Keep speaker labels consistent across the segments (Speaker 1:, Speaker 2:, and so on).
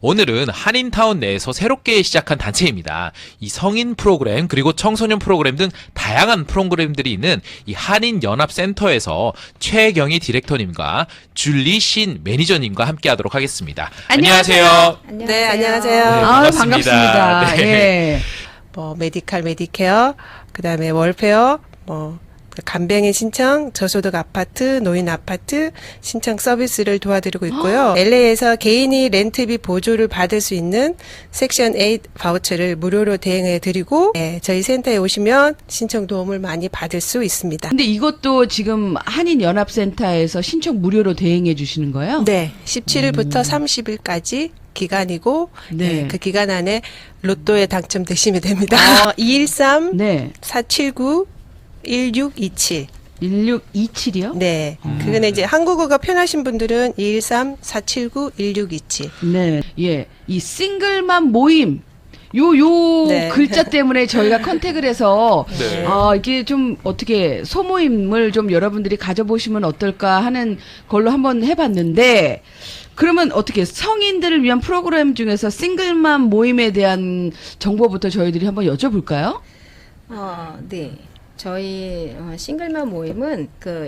Speaker 1: 오늘은 한인타운 내에서 새롭게 시작한 단체입니다. 이 성인 프로그램 그리고 청소년 프로그램 등 다양한 프로그램들이 있는 이 한인연합센터에서 최경희 디렉터님과 줄리 신 매니저님과 함께하도록 하겠습니다. 안녕하세요.
Speaker 2: 네, 안녕하세요.
Speaker 1: 네,
Speaker 3: 반갑습니다.
Speaker 1: 네.
Speaker 3: 예.
Speaker 2: 뭐 메디칼, 메디케어, 그다음에 월페어, 뭐 간병인 신청, 저소득 아파트, 노인 아파트 신청 서비스를 도와드리고 있고요. LA에서 개인이 렌트비 보조를 받을 수 있는 섹션 8 바우처를 무료로 대행해 드리고, 저희 센터에 오시면 신청 도움을 많이 받을 수 있습니다.
Speaker 3: 근데 이것도 지금 한인연합센터에서 신청 무료로 대행해 주시는 거예요?
Speaker 2: 네, 17일부터 30일까지 기간이고,
Speaker 3: 네.
Speaker 2: 그 기간 안에 로또에 당첨되시면 됩니다. 213
Speaker 3: 네.
Speaker 2: 479 1627.
Speaker 3: 1627이요?
Speaker 2: 네. 그거는 이제 한국어가 편하신 분들은 213-479-1627.
Speaker 3: 네. 예. 이 싱글맘 모임. 요
Speaker 2: 네.
Speaker 3: 글자 때문에 저희가 컨택을 해서
Speaker 1: 네.
Speaker 3: 이게 좀 어떻게 소모임을 좀 여러분들이 가져보시면 어떨까 하는 걸로 한번 해봤는데, 그러면 어떻게 성인들을 위한 프로그램 중에서 싱글맘 모임에 대한 정보부터 저희들이 한번 여쭤볼까요?
Speaker 4: 네. 저희 싱글맘 모임은 그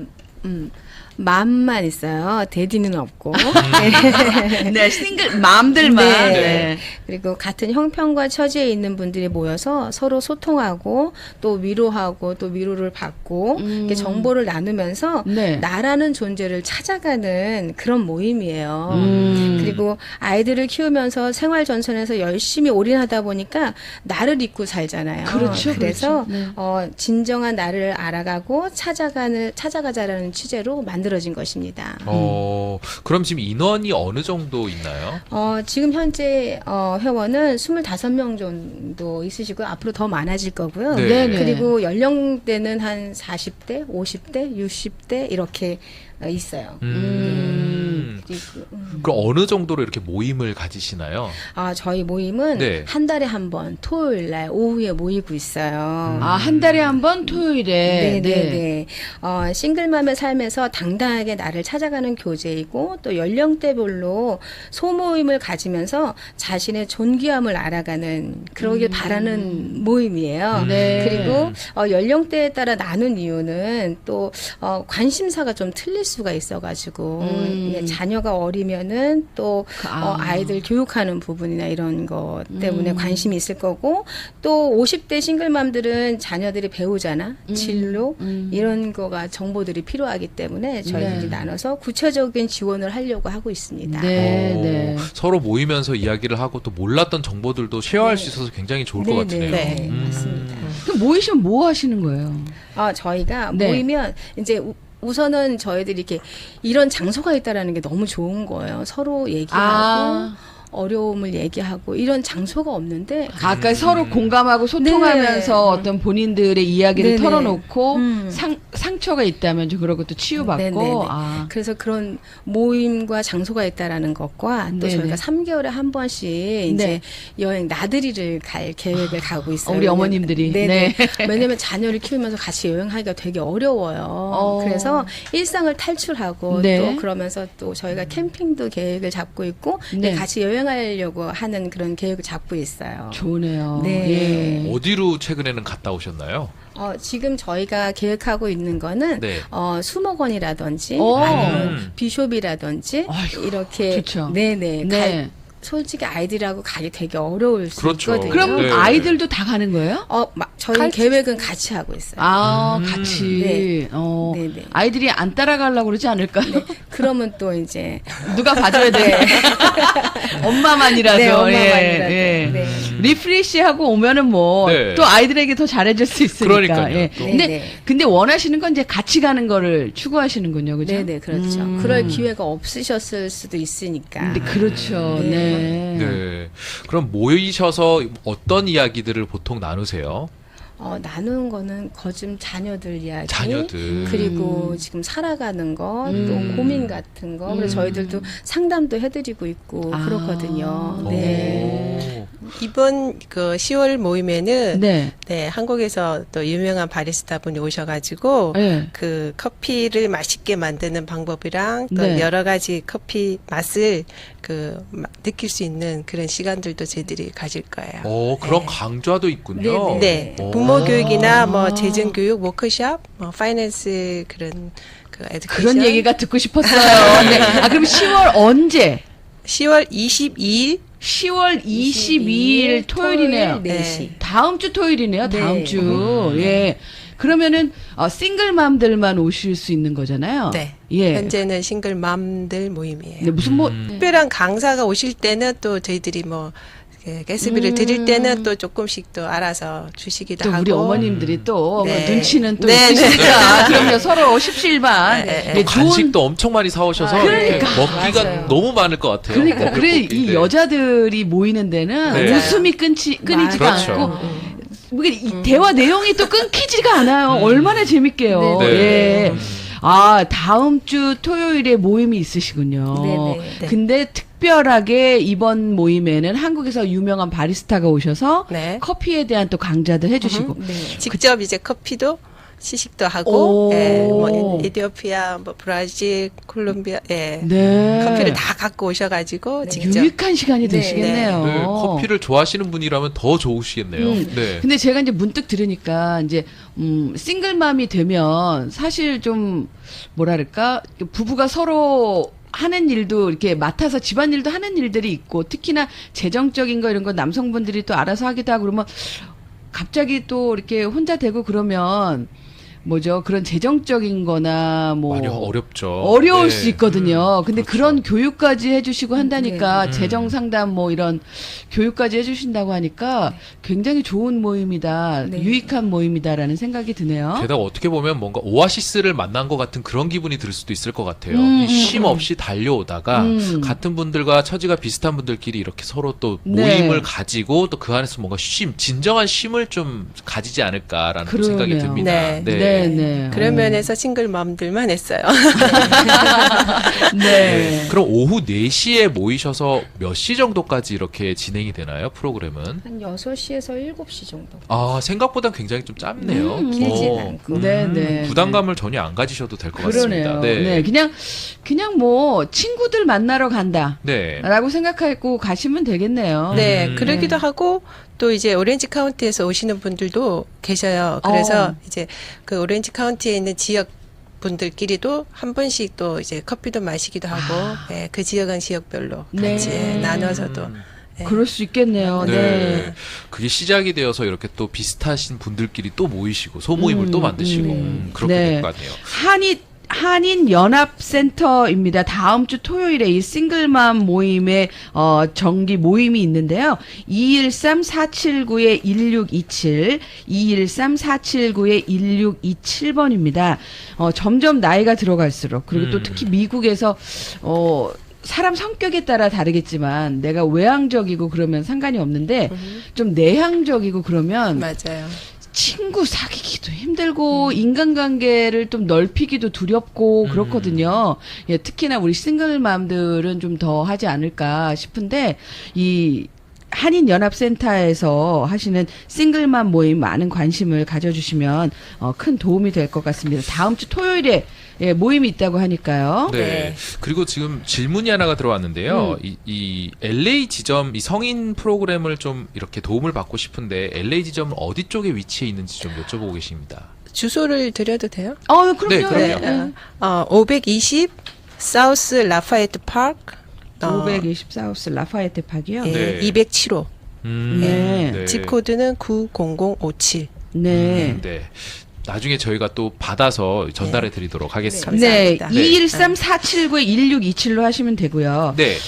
Speaker 4: 맘만 있어요. 데디는 없고.
Speaker 3: 네, 싱글 맘들만.
Speaker 4: 네.
Speaker 3: 네.
Speaker 4: 그리고 같은 형편과 처지에 있는 분들이 모여서 서로 소통하고 또 위로하고 또 위로를 받고 이렇게 정보를 나누면서
Speaker 3: 네.
Speaker 4: 나라는 존재를 찾아가는 그런 모임이에요. 그리고 아이들을 키우면서 생활 전선에서 열심히 올인하다 보니까 나를 잊고 살잖아요.
Speaker 3: 그렇죠,
Speaker 4: 그래서
Speaker 3: 그렇죠. 네.
Speaker 4: 진정한 나를 알아가고 찾아가자라는 취재로 만들어진 것입니다.
Speaker 1: 그럼 지금 인원이 어느 정도 있나요?
Speaker 4: 지금 현재 회원은 25명 정도 있으시고요. 앞으로 더 많아질 거고요.
Speaker 1: 네.
Speaker 3: 네네.
Speaker 4: 그리고 연령대는 한 40대, 50대, 60대 이렇게 있어요. 그리고,
Speaker 1: 그럼 어느 정도로 이렇게 모임을 가지시나요?
Speaker 4: 저희 모임은
Speaker 1: 네.
Speaker 4: 한 달에 한 번 토요일 날 오후에 모이고 있어요.
Speaker 3: 한 달에 한 번 토요일에.
Speaker 4: 네네네. 싱글맘의 삶에서 당당하게 나를 찾아가는 교제이고 또 연령대별로 소모임을 가지면서 자신의 존귀함을 알아가는 그러길 바라는 모임이에요.
Speaker 3: 네.
Speaker 4: 그리고 연령대에 따라 나눈 이유는 또 관심사가 좀 틀릴 수가 있어가지고 예, 자녀가 어리면은 또 아이들 교육하는 부분이나 이런 것 때문에 관심이 있을 거고 또 50대 싱글맘들은 자녀들이 배우잖아 진로 이런 거가 정보들이 필요하기 때문에 저희들이
Speaker 3: 네.
Speaker 4: 나눠서 구체적인 지원을 하려고 하고 있습니다.
Speaker 3: 네, 네.
Speaker 1: 서로 모이면서 이야기를 하고 또 몰랐던 정보들도 쉐어할 수 있어서 굉장히 좋을 것 같으네요.
Speaker 4: 네, 맞습니다.
Speaker 3: 그럼 모이시면 뭐 하시는 거예요?
Speaker 4: 저희가
Speaker 3: 네.
Speaker 4: 모이면 이제 우선은 저희들이 이렇게 이런 장소가 있다라는 게 너무 좋은 거예요. 서로 얘기하고 어려움을 얘기하고 이런 장소가 없는데
Speaker 3: 아까 서로 공감하고 소통하면서
Speaker 4: 네.
Speaker 3: 어떤 본인들의 이야기를
Speaker 4: 네네.
Speaker 3: 털어놓고
Speaker 4: 음.
Speaker 3: 상처가 있다면 좀 그런 것도 치유받고.
Speaker 4: 네네네.
Speaker 3: 아.
Speaker 4: 그래서 그런 모임과 장소가 있다라는 것과 또
Speaker 3: 네네.
Speaker 4: 저희가 3개월에 한 번씩 이제 여행 나들이를 갈 계획을 가고 있어요.
Speaker 3: 우리 어머님들이.
Speaker 4: 네네.
Speaker 3: 네.
Speaker 4: 왜냐면 자녀를 키우면서 같이 여행하기가 되게 어려워요. 그래서 일상을 탈출하고
Speaker 3: 네.
Speaker 4: 또 그러면서 또 저희가 캠핑도 계획을 잡고 있고
Speaker 3: 네.
Speaker 4: 같이 여행하려고 하는 그런 계획을 잡고 있어요.
Speaker 3: 좋네요.
Speaker 4: 네.
Speaker 3: 예.
Speaker 1: 어디로 최근에는 갔다 오셨나요?
Speaker 4: 지금 저희가 계획하고 있는 거는
Speaker 1: 네.
Speaker 4: 수목원이라든지
Speaker 3: 오.
Speaker 4: 아니면 비숍이라든지
Speaker 3: 아이고,
Speaker 4: 이렇게
Speaker 3: 좋죠.
Speaker 4: 네네
Speaker 3: 네.
Speaker 4: 솔직히 아이들하고 가기 되게 어려울 수
Speaker 1: 그렇죠.
Speaker 4: 있거든요.
Speaker 3: 그럼
Speaker 1: 네.
Speaker 3: 아이들도 다 가는 거예요?
Speaker 4: 저희 계획은 같이 하고 있어요.
Speaker 3: 같이.
Speaker 4: 네.
Speaker 3: 어.
Speaker 4: 네네.
Speaker 3: 아이들이 안 따라가려고 그러지 않을까요?
Speaker 4: 네. 그러면 또 이제
Speaker 3: 누가 봐줘야 돼. 엄마만이라도.
Speaker 4: 네, 엄마만이라도.
Speaker 3: 예.
Speaker 4: 네.
Speaker 3: 리프레시하고 오면은 뭐
Speaker 1: 네.
Speaker 3: 또 아이들에게 더 잘해줄 수 있으니까.
Speaker 1: 그러니까요,
Speaker 3: 예.
Speaker 1: 또.
Speaker 3: 근데
Speaker 4: 네네.
Speaker 3: 근데 원하시는 건 이제 같이 가는 거를 추구하시는군요, 그죠?
Speaker 4: 네네 그렇죠. 그럴 기회가 없으셨을 수도 있으니까.
Speaker 3: 근데 그렇죠. 네.
Speaker 1: 네. 그럼 모이셔서 어떤 이야기들을 보통 나누세요?
Speaker 4: 나누는 거는 거즘 자녀들 이야기,
Speaker 1: 자녀들.
Speaker 4: 그리고 지금 살아가는 거, 또 고민 같은 거. 그래서 저희들도 상담도 해드리고 있고 그렇거든요. 네.
Speaker 2: 이번 그 10월 모임에는
Speaker 3: 네.
Speaker 2: 네, 한국에서 또 유명한 바리스타 분이 오셔가지고
Speaker 3: 네.
Speaker 2: 그 커피를 맛있게 만드는 방법이랑 또
Speaker 3: 네.
Speaker 2: 여러 가지 커피 맛을 느낄 수 있는 그런 시간들도 저희들이 가질 거예요.
Speaker 1: 그런
Speaker 2: 네.
Speaker 1: 강좌도 있군요.
Speaker 2: 네,
Speaker 1: 오.
Speaker 2: 부모 교육이나 뭐 재정 교육, 워크숍, 파이낸스 그런 에듀케이션.
Speaker 3: 그런 얘기가 듣고 싶었어요. 네. 그럼 10월 언제?
Speaker 2: 10월 22일
Speaker 3: 10월 22일 토요일이네요.
Speaker 4: 토요일 4시.
Speaker 3: 다음 주 토요일이네요. 다음
Speaker 4: 네.
Speaker 3: 주. 예. 그러면은 싱글맘들만 오실 수 있는 거잖아요.
Speaker 2: 네.
Speaker 3: 예.
Speaker 2: 현재는 싱글맘들 모임이에요.
Speaker 3: 네, 무슨 뭐
Speaker 2: 특별한 강사가 오실 때는 또 저희들이 뭐 게스트비를 드릴 때는 또 조금씩 또 알아서 주시기도
Speaker 3: 또
Speaker 2: 하고.
Speaker 3: 우리 어머님들이 또
Speaker 2: 네.
Speaker 3: 뭐 눈치는 또
Speaker 2: 네,
Speaker 3: 있으시니까 그럼요 서로 십시일반
Speaker 2: 네,
Speaker 3: 네, 좋은
Speaker 1: 간식도 엄청 많이 사오셔서
Speaker 3: 그러니까.
Speaker 1: 먹기가
Speaker 4: 맞아요.
Speaker 1: 너무 많을 것 같아요.
Speaker 3: 그러니까
Speaker 1: 먹을
Speaker 3: 그래
Speaker 1: 것들이.
Speaker 3: 이
Speaker 1: 네.
Speaker 3: 여자들이 모이는 데는
Speaker 1: 네.
Speaker 3: 웃음이 끊이지가
Speaker 1: 그렇죠.
Speaker 3: 않고 이게 이 대화 내용이 또 끊기지가 않아요. 얼마나 재밌게요.
Speaker 1: 네.
Speaker 3: 예. 다음 주 토요일에 모임이 있으시군요.
Speaker 4: 네네.
Speaker 3: 근데 특별하게 이번 모임에는 한국에서 유명한 바리스타가 오셔서
Speaker 2: 네.
Speaker 3: 커피에 대한 또 강좌도 해주시고.
Speaker 4: 네.
Speaker 2: 직접 이제 커피도 시식도 하고,
Speaker 3: 오.
Speaker 2: 예, 뭐 에티오피아, 뭐 브라질, 콜롬비아, 예.
Speaker 3: 네.
Speaker 2: 커피를 다 갖고 오셔가지고 직접.
Speaker 3: 유익한 시간이
Speaker 4: 네,
Speaker 3: 되시겠네요.
Speaker 1: 네, 커피를 좋아하시는 분이라면 더 좋으시겠네요. 네.
Speaker 3: 근데 제가 이제 문득 들으니까 이제 싱글맘이 되면 사실 좀 뭐랄까 부부가 서로 하는 일도 이렇게 맡아서 집안일도 하는 일들이 있고 특히나 재정적인 거 이런 거 남성분들이 또 알아서 하기도 하고 그러면 갑자기 또 이렇게 혼자 되고 그러면 뭐죠 그런 재정적인 거나 뭐
Speaker 1: 많이 어렵죠.
Speaker 3: 어려울
Speaker 1: 네.
Speaker 3: 수 있거든요. 근데
Speaker 1: 그렇죠.
Speaker 3: 그런 교육까지 해주시고 한다니까
Speaker 1: 네.
Speaker 3: 재정 상담 뭐 이런 교육까지 해주신다고 하니까 굉장히 좋은 모임이다,
Speaker 4: 네.
Speaker 3: 유익한 모임이다라는 생각이 드네요.
Speaker 1: 게다가 어떻게 보면 뭔가 오아시스를 만난 것 같은 그런 기분이 들 수도 있을 것 같아요. 이 쉼 없이 달려오다가 같은 분들과 처지가 비슷한 분들끼리 이렇게 서로 또
Speaker 3: 네.
Speaker 1: 모임을 가지고 또 그 안에서 뭔가 진정한 쉼을 좀 가지지 않을까라는 또 생각이
Speaker 3: 그러네요.
Speaker 1: 듭니다.
Speaker 2: 네.
Speaker 3: 네.
Speaker 2: 그런 면에서 싱글맘들만 했어요.
Speaker 3: 네.
Speaker 1: 그럼 오후 4시에 모이셔서 몇 시 정도까지 이렇게 진행이 되나요? 프로그램은?
Speaker 4: 한 6시에서 7시 정도.
Speaker 1: 생각보다 굉장히 좀 짧네요.
Speaker 4: 길진
Speaker 1: 어,
Speaker 4: 않고.
Speaker 3: 네.
Speaker 1: 부담감을 전혀 안 가지셔도 될 것
Speaker 3: 그러네요.
Speaker 1: 같습니다.
Speaker 3: 네. 그냥 뭐 친구들 만나러 간다.
Speaker 1: 네.
Speaker 3: 라고 생각하고 가시면 되겠네요.
Speaker 2: 네, 그러기도 하고 또 이제 오렌지 카운티에서 오시는 분들도 계셔요. 그래서 이제 그 오렌지 카운티에 있는 지역 분들끼리도 한 번씩 또 이제 커피도 마시기도 하고, 예, 그 지역은 지역별로
Speaker 3: 네.
Speaker 2: 같이 나눠서도. 예.
Speaker 3: 그럴 수 있겠네요.
Speaker 1: 네.
Speaker 3: 네.
Speaker 1: 그게 시작이 되어서 이렇게 또 비슷하신 분들끼리 또 모이시고 소모임을 또 만드시고 그렇게
Speaker 3: 네.
Speaker 1: 될 것 같네요.
Speaker 3: 한인 연합센터입니다. 다음 주 토요일에 이 싱글맘 모임의 정기 모임이 있는데요. 213-479-1627, 213-479-1627번입니다. 점점 나이가 들어갈수록 그리고 또 특히 미국에서 사람 성격에 따라 다르겠지만 내가 외향적이고 그러면 상관이 없는데 좀 내향적이고 그러면
Speaker 2: 맞아요.
Speaker 3: 친구 사귀기도 힘들고 인간관계를 좀 넓히기도 두렵고 그렇거든요. 예, 특히나 우리 싱글맘들은 좀 더 하지 않을까 싶은데 이 한인연합센터에서 하시는 싱글맘 모임 많은 관심을 가져주시면 큰 도움이 될 것 같습니다. 다음 주 토요일에 예, 모임이 있다고 하니까요.
Speaker 1: 네.
Speaker 2: 네.
Speaker 1: 그리고 지금 질문이 하나가 들어왔는데요. 이 LA 지점, 이 성인 프로그램을 좀 이렇게 도움을 받고 싶은데 LA 지점은 어디 쪽에 위치해 있는지 좀 여쭤보고 계십니다.
Speaker 2: 주소를 드려도 돼요?
Speaker 3: 그럼요.
Speaker 1: 네, 그럼요.
Speaker 3: 네.
Speaker 2: 520 사우스 라파에트 파크.
Speaker 3: 520 사우스 라파에테 파기요.
Speaker 2: 예,
Speaker 1: 네.
Speaker 2: 207호.
Speaker 3: 네.
Speaker 2: 집 코드는 90057.
Speaker 3: 네.
Speaker 1: 네. 나중에 저희가 또 받아서 전달해 드리도록 하겠습니다.
Speaker 3: 네.
Speaker 2: 감사합니다.
Speaker 3: 213-479-1627로 하시면 되고요.
Speaker 1: 네.